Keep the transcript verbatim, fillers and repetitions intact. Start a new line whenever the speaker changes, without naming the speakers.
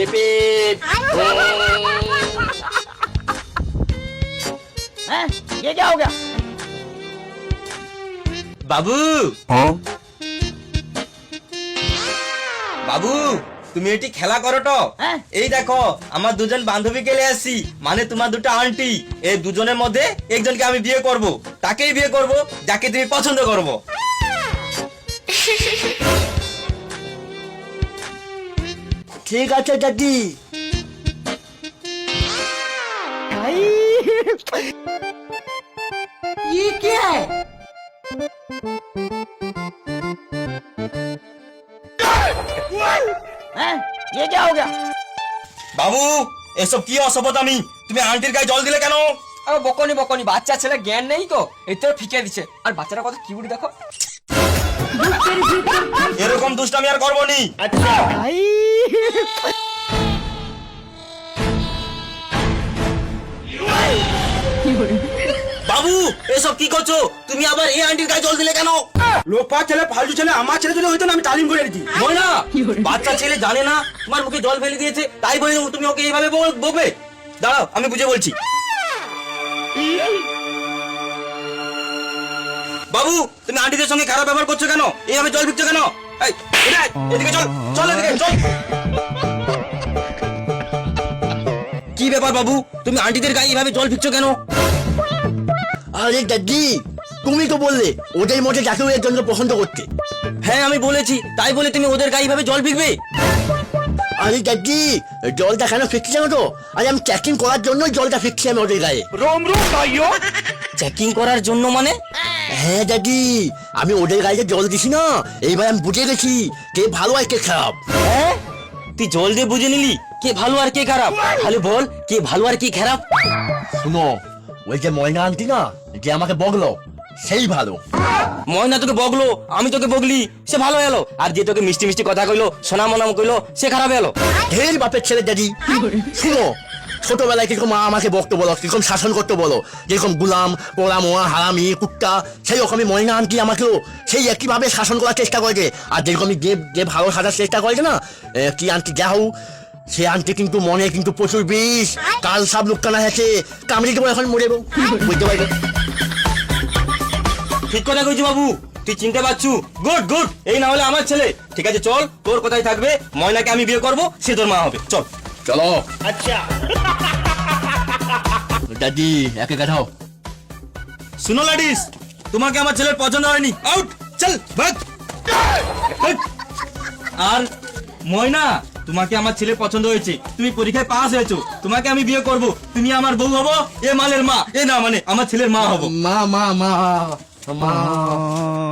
Repeat हैं? ये क्या हो गया
বাবু বাবু তুমি এটি খেলা করো তো
হ্যাঁ?
এই দেখো আমার দুজন বান্ধবী গেলে আসি মানে তোমার দুটো আন্টি এই দুজনের মধ্যে একজনকে আমি বিয়ে করব তাকেই বিয়ে করব যাকে তুমি পছন্দ করবো
ঠিক আছে দাদি।
ये क्या है हैं? ये क्या हो गया
বাবু এসব কি অসভ্যতামি তুমি আন্টির গায়ে জল দিলে কেন
আর বকনি বকনি বাচ্চা ছেলে জ্ঞান নেই তো এতে ফিকে দিচ্ছে আর বাচ্চাটা কত কিউট দেখো
এরকম দুষ্টামি আর করবো নি
अच्छा
বাবু এসব কি করছো তুমি আবার এই আন্টির গায়ে জল দিলে কেন
লোকপাত ছেলে ফালতু ছেলে আমার ছেলে যদি হইতো না আমি তালিম করে দিতি।
ময়না বাচ্চা ছেলে জানে না তোমার মুখে জল ফেলে দিয়েছে তাই বলে তুমি ওকে এইভাবে বল- বকবে দাঁড়াও আমি বুঝে বলছি বাবু তুমি আন্টিদের সঙ্গে খারাপ ব্যবহার করছো কেন এইভাবে জল ফিরছো কেন এই, এদিকে আয়, এদিকে চল চল এদিকে চল কি ব্যাপার বাবু তুমি আন্টিদের গায়ে এইভাবে জল ফিরছো কেন
আরে দাদি তুমি তো বললে ওদের মধ্যে যাকে ওই একজনকে পছন্দ করতে।
হ্যাঁ আমি বলেছি তাই বলে তুমি ওদের গায়ে এইভাবে জল ফিরবে
আরে দাদি জলটা কেন ফিরছি জানো তো? আরে আমি চেকিং করার জন্য জলটা ফিরছি আমি ওদের গায়ে।
চেকিং করার জন্য মানে
হ্যাঁ দাদি আমি ওদের গায়ে যে জল দিছি না এইবার আমি বুঝে গেছি কে ভালো আর কে খারাপ।
হ্যাঁ তুই জল দিয়ে বুঝে নিলি কে ভালো আর কে খারাপ তাহলে বল কে ভালো আর কে খারাপ
শুনো ওই যে ময়না আন্টি না যে আমাকে বগলো সেই ভালো।
ময়না তোকে বগলো আমি তোকে বগলি সে ভালো এলো আর যে তোকে মিষ্টি মিষ্টি কথা কইলো সোনা মনাম কইলো সে খারাপ এলো
ঢের বাপের ছেলে দাদি। শুনো ছোটবেলায় কিরকম মা আমাকে বকতে বলো কিরকম শাসন করতে বলো যেরকম গুলাম পোড়া মোয়া হারামি কুত্তা সেই রকমই ময়না আন্টি আমাকেও সেই একইভাবে শাসন করার চেষ্টা করেছে আর যেরকমই যে যে ভালো সাজার চেষ্টা করেছে না এ, কি আন্টি যা হোক সে আন্টি কিন্তু মনে কিন্তু প্রচুর বিষ কাল সব লুকানা আছে কামড়ি দেবো এখন মরে যাবো বুঝতে পারবে।
ঠিক কথা কইছি বাবু তুই চিনতে পারছু গুড গুড এই না হলে আমার ছেলে ঠিক আছে চল তোর কথাই থাকবে ময়নাকে আমি বিয়ে করব সে তোর মা হবে চল
চলো
अच्छा
দাদি একে কাটাও।
শুনো লাডিস তোমাকে আমার ছেলের পছন্দ হয়নি আউট চল ভাগ ভাগ। আর ময়না তোমাকে আমার ছেলে পছন্দ হয়েছে তুমি পরীক্ষায় পাস হয়েছো তোমাকে আমি বিয়ে করব তুমি আমার বউ হবো এ মালের মা এ না মানে আমার ছেলের মা হবো
মা মা মা মা